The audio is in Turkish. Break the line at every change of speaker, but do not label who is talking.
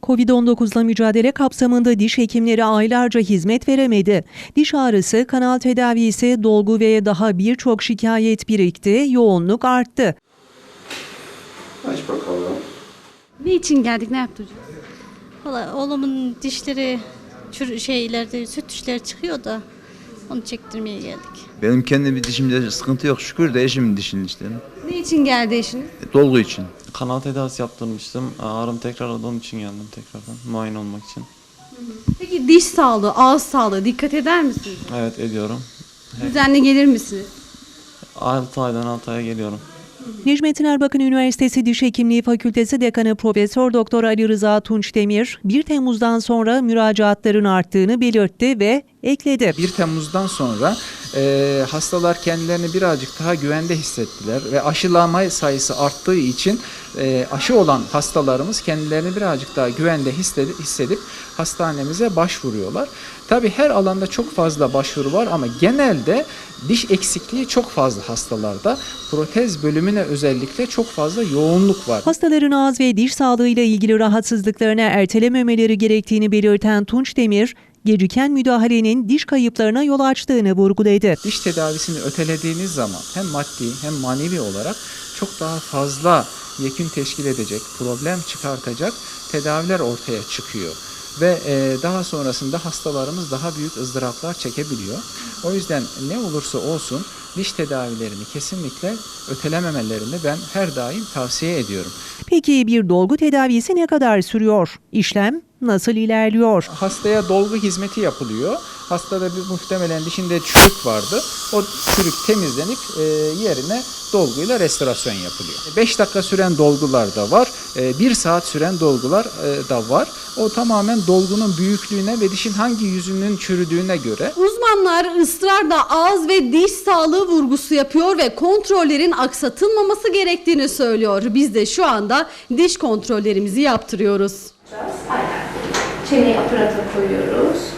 Covid-19'la mücadele kapsamında diş hekimleri aylarca hizmet veremedi. Diş ağrısı, kanal tedavisi, dolgu ve daha birçok şikayet birikti, yoğunluk arttı.
Aç bakalım.
Ne için geldik, ne yaptık?
Valla oğlumun dişleri ileride süt dişleri çıkıyor da onu çektirmeye geldik.
Benim kendi bir dişimde sıkıntı yok şükür de eşimin dişinin işte.
Ne için geldi eşiniz?
Dolgu için.
Kanal tedavisi yaptırmıştım. Ağrım tekrarladı, onun için geldim tekrardan muayene olmak için.
Peki diş sağlığı, ağız sağlığı dikkat eder misiniz?
Evet ediyorum.
Düzenli gelir misiniz?
6 aydan 6 aya geliyorum.
Necmettin Erbakan Üniversitesi Diş Hekimliği Fakültesi Dekanı Profesör Doktor Ali Rıza Tunçdemir, 1 Temmuz'dan sonra müracaatların arttığını belirtti ve ekledi.
1 Temmuz'dan sonra hastalar kendilerini birazcık daha güvende hissettiler ve aşılama sayısı arttığı için aşı olan hastalarımız kendilerini birazcık daha güvende hissedip hastanemize başvuruyorlar. Tabii her alanda çok fazla başvuru var ama genelde diş eksikliği çok fazla hastalarda. Protez bölümüne özellikle çok fazla yoğunluk var.
Hastaların ağız ve diş sağlığıyla ilgili rahatsızlıklarına ertelememeleri gerektiğini belirten Tunçdemir, geciken müdahalenin diş kayıplarına yol açtığını vurguladı.
Diş tedavisini ötelediğiniz zaman hem maddi hem manevi olarak çok daha fazla yekün teşkil edecek, problem çıkartacak tedaviler ortaya çıkıyor. Ve daha sonrasında hastalarımız daha büyük ızdıraplar çekebiliyor. O yüzden ne olursa olsun diş tedavilerini kesinlikle ötelememelerini ben her daim tavsiye ediyorum.
Peki bir dolgu tedavisi ne kadar sürüyor? İşlem nasıl ilerliyor?
Hastaya dolgu hizmeti yapılıyor. Hastada muhtemelen dişinde çürük vardı. O çürük temizlenip yerine dolguyla restorasyon yapılıyor. 5 dakika süren dolgular da var. 1 saat süren dolgular da var. O tamamen dolgunun büyüklüğüne ve dişin hangi yüzünün çürüdüğüne göre.
Uzmanlar ısrarla ağız ve diş sağlığı vurgusu yapıyor ve kontrollerin aksatılmaması gerektiğini söylüyor. Biz de şu anda diş kontrollerimizi yaptırıyoruz.
Aynen. Çeneyi aparata koyuyoruz.